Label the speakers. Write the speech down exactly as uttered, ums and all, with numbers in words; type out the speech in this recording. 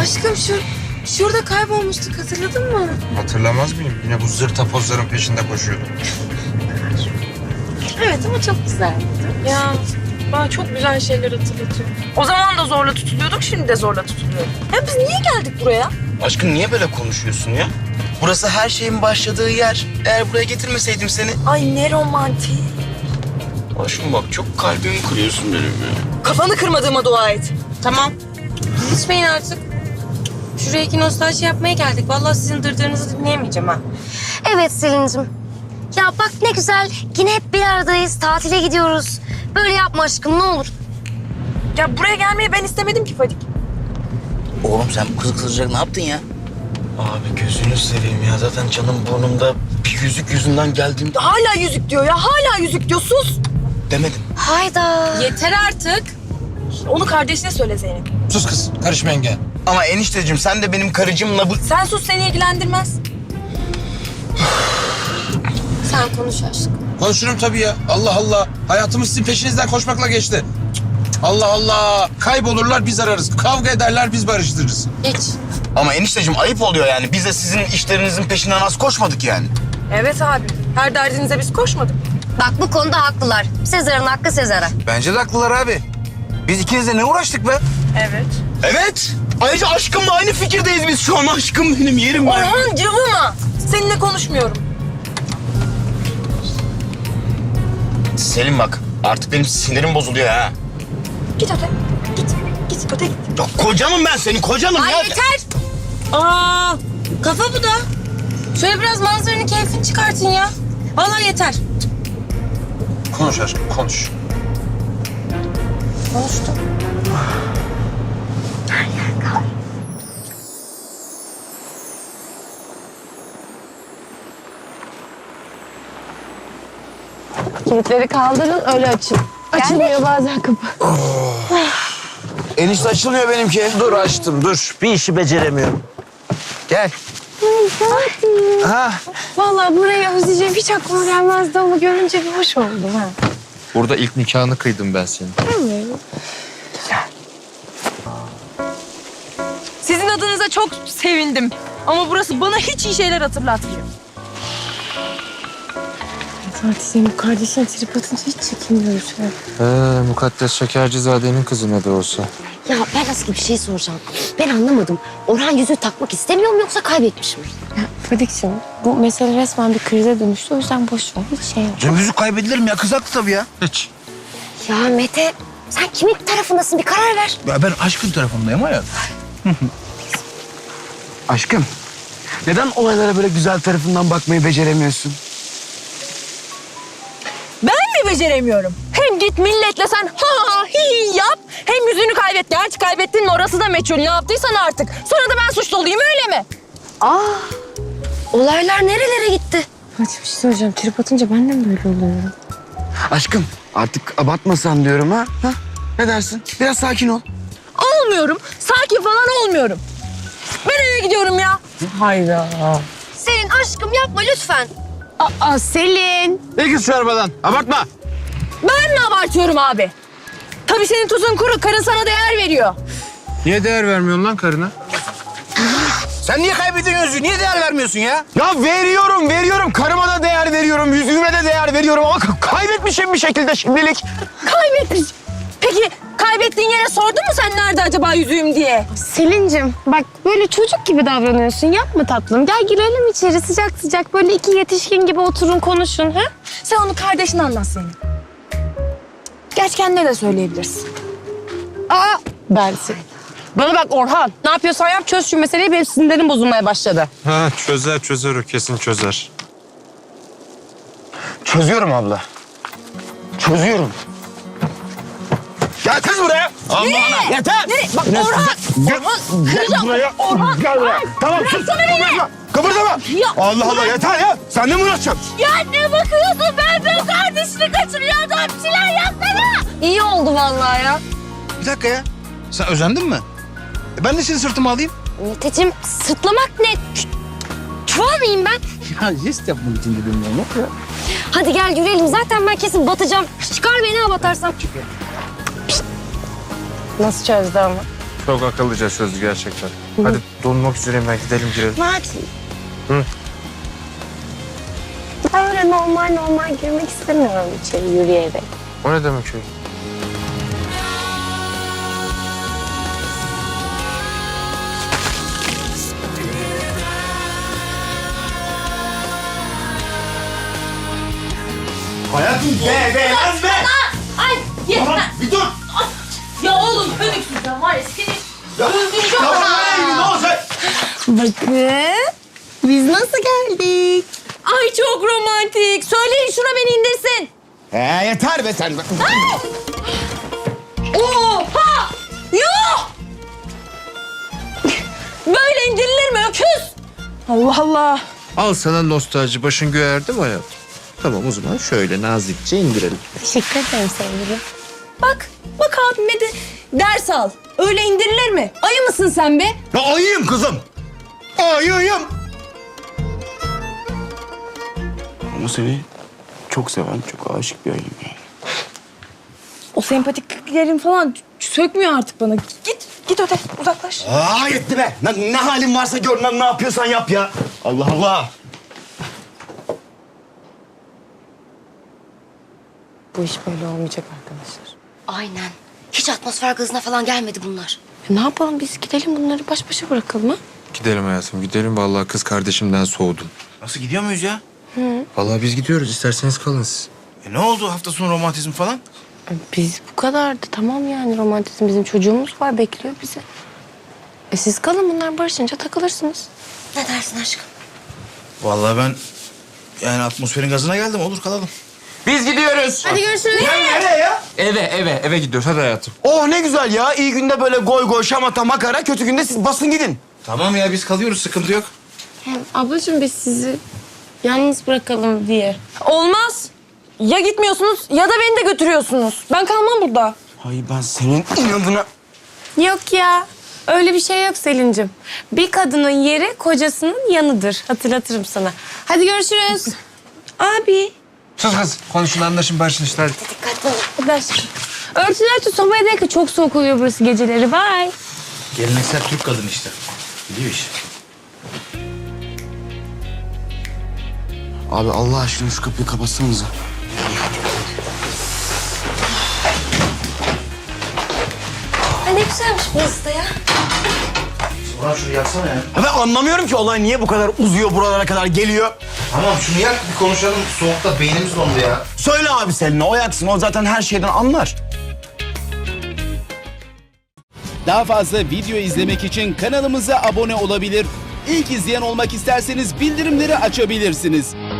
Speaker 1: Aşkım şu şurada kaybolmuştuk, hatırladın mı?
Speaker 2: Hatırlamaz mıyım? Yine bu zırta pozların peşinde koşuyordum.
Speaker 1: Evet ama çok güzeldi.
Speaker 3: Ya bana çok güzel şeyler hatırlatıyor. O zaman da zorla tutuluyorduk, şimdi de zorla tutuluyorum. Ya biz niye geldik buraya?
Speaker 4: Aşkım niye böyle konuşuyorsun ya? Burası her şeyin başladığı yer. Eğer buraya getirmeseydim seni...
Speaker 3: Ay ne romantik.
Speaker 4: Aşkım bak çok kalbimi kırıyorsun benim ya.
Speaker 3: Kafanı kırmadığıma dua et.
Speaker 1: Tamam. İçmeyin artık. Şuraya iki nostalji yapmaya geldik. Vallahi sizin dırdırınızı dinleyemeyeceğim ha.
Speaker 5: Evet Selin'cim. Ya bak ne güzel. Yine hep bir aradayız. Tatile gidiyoruz. Böyle yapma aşkım ne olur.
Speaker 3: Ya buraya gelmeyi ben istemedim ki Fadik.
Speaker 4: Oğlum sen bu kızı kızdıracak ne yaptın ya? Abi gözünü seveyim ya. Zaten canım burnumda bir yüzük yüzünden geldiğimde...
Speaker 3: Hala yüzük diyor ya, hala yüzük diyor. Sus.
Speaker 4: Demedim.
Speaker 5: Hayda.
Speaker 1: Yeter artık.
Speaker 3: Onu kardeşine söyle Zeynep.
Speaker 2: Sus kız, karışma yenge.
Speaker 4: Ama enişteciğim sen de benim karıcımla bu...
Speaker 3: Sen sus, seni ilgilendirmez.
Speaker 1: Sen konuş aşkım.
Speaker 2: Konuşurum tabii ya. Allah Allah. Hayatımız sizin peşinizden koşmakla geçti. Allah Allah. Kaybolurlar biz ararız. Kavga ederler biz barıştırırız.
Speaker 1: Geç.
Speaker 4: Ama enişteciğim ayıp oluyor yani. Biz de sizin işlerinizin peşinden az koşmadık yani.
Speaker 3: Evet abi, her derdinize biz koşmadık.
Speaker 5: Bak bu konuda haklılar. Sezar'ın hakkı Sezar'a.
Speaker 4: Bence de haklılar abi. Biz ikimiz de ne uğraştık be?
Speaker 3: Evet.
Speaker 4: Evet. Ayrıca aşkımla aynı fikirdeyiz biz şu an. Aşkım benim yerim var.
Speaker 3: Orhan cıvıma. Seninle konuşmuyorum.
Speaker 4: Selim bak artık benim sinirim bozuluyor ha.
Speaker 3: Git öte. Git. Git öte git.
Speaker 4: Ya kocanım ben senin kocanım
Speaker 1: Ay
Speaker 4: ya.
Speaker 1: yeter. Aa, kafa bu da. Şöyle biraz manzaranın keyfini çıkartın ya. Vallahi yeter.
Speaker 2: Konuş aşkım, konuş.
Speaker 1: Konuştum.
Speaker 6: Kilitleri kaldırın, öyle açın. Açılmıyor bazen kapı.
Speaker 4: Enişte açılmıyor benimki.
Speaker 7: Dur açtım dur. Bir işi beceremiyorum. Gel. Ha.
Speaker 6: Vallahi burayı özleyeceğim hiç aklıma gelmezdi ama görünce bir hoş oldu. Ha.
Speaker 8: Burada ilk nikahını kıydım ben senin.
Speaker 3: Sizin adınıza çok sevindim. Ama burası bana hiç iyi şeyler hatırlatmıyor.
Speaker 6: Fatih senin bu kardeşin trip atınca hiç çekinmiyoruz. Ha.
Speaker 8: Ee, Mukaddes Şekercizade'nin kızı ne de olsa.
Speaker 5: Ya ben aslında bir şey soracağım. Ben anlamadım. Orhan yüzüğü takmak istemiyor mu yoksa kaybetmiş mi?
Speaker 6: Ya Fadik'cim bu mesele resmen bir krize dönüştü. O yüzden boş ver. Hiç şey yok.
Speaker 4: Canım yüzük kaybedilir mi ya? Kız haklı tabii ya.
Speaker 2: Hiç.
Speaker 5: Ya Mete sen kimin tarafındasın bir karar ver.
Speaker 4: Ya ben aşkın tarafındayım hayat. Aşkım, neden olaylara böyle güzel tarafından bakmayı beceremiyorsun?
Speaker 3: Ben mi beceremiyorum? Hem git milletle sen ha ha hi hi yap. Hem yüzünü kaybet. Gerçi kaybettin mi orası da meçhul. Ne yaptıysan artık. Sonra da ben suçlu olayım öyle mi?
Speaker 5: Aa, olaylar nerelere gitti?
Speaker 6: Fatih bir şey söyleyeceğim. Trip atınca ben de mi böyle oluyorum?
Speaker 4: Aşkım, artık abartmasan diyorum ha. ha? Ne dersin? Biraz sakin ol.
Speaker 3: Olmuyorum. Sakin falan olmuyorum. Ben eve gidiyorum ya.
Speaker 6: Hayda.
Speaker 5: Selin aşkım yapma lütfen.
Speaker 6: Aa Selin.
Speaker 7: Ne kız şu arabadan? Abartma.
Speaker 3: Ben mi abartıyorum abi? Tabii senin tuzun kuru. Karın sana değer veriyor.
Speaker 2: Niye değer vermiyorsun lan karına?
Speaker 4: Sen niye kaybediyorsun yüzüğü? Niye değer vermiyorsun ya?
Speaker 7: Ya veriyorum, veriyorum. Karıma da değer veriyorum, yüzüğüme de değer veriyorum ama k- kaybetmişim bir şekilde şimdilik.
Speaker 3: Kaybetmiş. Peki kaybettiğin yere sordun mu sen nerede acaba yüzüğüm diye?
Speaker 6: Selin'cim bak böyle çocuk gibi davranıyorsun. Yapma tatlım. Gel girelim içeri sıcak sıcak. Böyle iki yetişkin gibi oturun konuşun. Ha?
Speaker 3: Sen onu kardeşine anlat senin. Gerçi kendine de söyleyebilirsin.
Speaker 6: Aa dersin. Bana bak Orhan. Ne yapıyorsan yap çöz şu meseleyi. Benim sinirlerim bozulmaya başladı.
Speaker 8: Ha çözer çözer o kesin çözer.
Speaker 4: Çözüyorum abla. Çözüyorum. Gel kız buraya. Allah Allah. Yeter.
Speaker 3: Nereye? Bak Orhan. Orhan. Kıracağım.
Speaker 7: Buraya.
Speaker 3: Orhan.
Speaker 7: Gel buraya. Tamam sus.
Speaker 3: Bıraksana beni.
Speaker 7: Kıpırdama. Kıpırdama.
Speaker 3: Ya.
Speaker 7: Allah Allah yeter ya. Sen de mi uğraşacaksın?
Speaker 3: Ya ne bakıyorsun? Ben ben kardeşini kaçırıyor adam. Bir şeyler yapsana.
Speaker 5: İyi oldu vallahi ya.
Speaker 4: Bir dakika ya. Sen özendin mi? E ben de seni sırtıma alayım.
Speaker 5: Meteciğim sırtlamak ne? Ç- Çuval mıyım ben?
Speaker 7: Ya jest yapmak için dedim ya.
Speaker 5: Hadi gel yürüyelim. Zaten ben kesin batacağım. Çıkar beni ha batarsam.
Speaker 6: Nasıl çözdü ama?
Speaker 8: Çok akıllıca çözdü gerçekten. Hadi donmak üzereyim ben, gidelim girelim.
Speaker 6: Hadi.
Speaker 8: Hı.
Speaker 6: Ben öyle normal normal girmek istemiyorum içeri yürüyerek.
Speaker 8: O ne demek öyle?
Speaker 7: Hayatım be be lan be.
Speaker 1: Ay
Speaker 7: Tamam
Speaker 1: yeter.
Speaker 7: bir dur.
Speaker 1: Ya oğlumönüksüzden var ya seni.
Speaker 7: Ya, tamam ne, ne olacak?
Speaker 6: Bakın. Biz nasıl geldik?
Speaker 3: Ay çok romantik. Söyleyin şuna beni indirsin.
Speaker 7: He yeter be sen.
Speaker 3: Oha! Yuh! Böyle indirilir mi öküz? Allah Allah.
Speaker 8: Al sana nostalji, başın göğerdi mi hayatım? Tamam o zaman şöyle nazikçe indirelim.
Speaker 6: Teşekkür ederim sevgilim.
Speaker 3: Bak, bak abime de ders al. Öyle indirilir mi? Ayı mısın sen be?
Speaker 7: Ya ayıyım kızım. Ayıyım. Ama seni çok seven, çok aşık bir ayıyım yani.
Speaker 3: O sempatikliklerin falan sökmüyor artık bana. Git, git öte, uzaklaş.
Speaker 7: Aa yetti be. Ne, ne halin varsa gör lan, ne yapıyorsan yap ya. Allah Allah.
Speaker 6: Bu iş böyle olmayacak arkadaşlar.
Speaker 5: Aynen. Hiç atmosfer gazına falan gelmedi bunlar.
Speaker 6: E ne yapalım biz gidelim bunları baş başa bırakalım ha?
Speaker 8: Gidelim hayatım, gidelim. Vallahi kız kardeşimden soğudum.
Speaker 4: Nasıl gidiyor muyuz ya?
Speaker 8: Vallahi biz gidiyoruz, isterseniz kalın siz.
Speaker 4: E ne oldu hafta sonu romantizm falan?
Speaker 6: E Biz bu kadardı tamam yani romantizm bizim çocuğumuz var bekliyor bizi. E siz kalın bunlar barışınca takılırsınız.
Speaker 5: Ne dersin aşkım?
Speaker 4: Vallahi ben yani atmosferin gazına geldim. Olur kalalım.
Speaker 8: Biz gidiyoruz.
Speaker 6: Hadi görüşürüz.
Speaker 7: Nereye ya?
Speaker 8: Eve, eve, eve gidiyoruz. Hadi hayatım.
Speaker 7: Oh ne güzel ya. İyi günde böyle goy goy, şamata, makara. Kötü günde siz basın gidin.
Speaker 4: Tamam ya biz kalıyoruz. Sıkıntı yok.
Speaker 6: Ablacığım biz sizi yalnız bırakalım diye.
Speaker 3: Olmaz. Ya gitmiyorsunuz ya da beni de götürüyorsunuz. Ben kalmam burada.
Speaker 7: Ay ben senin inadına...
Speaker 6: Yok ya. Öyle bir şey yok Selin'cim. Bir kadının yeri kocasının yanıdır. Hatırlatırım sana. Hadi görüşürüz.
Speaker 3: Abi.
Speaker 8: Sus kız, konuşun, anlaşın, barışın işte hadi.
Speaker 5: Dikkatli ol.
Speaker 6: Hadi aşkım. Örtüler tut sobaya değil ki çok soğuk oluyor burası geceleri. Bye.
Speaker 4: Geleneksel Türk kadın işte. Biliyor iş.
Speaker 7: Abi Allah aşkına şu kapıyı kapatsanıza.
Speaker 5: Ay ne güzelmiş burası da ya.
Speaker 4: Ulan şunu yaksana ya.
Speaker 7: Ya ben anlamıyorum ki olay niye bu kadar uzuyor, buralara kadar geliyor.
Speaker 4: Tamam şunu yak bir konuşalım. Soğukta beynimiz dondu ya.
Speaker 7: Söyle abi Selin'e, o yaksın. O zaten her şeyden anlar.
Speaker 9: Daha fazla video izlemek için kanalımıza abone olabilir. İlk izleyen olmak isterseniz bildirimleri açabilirsiniz.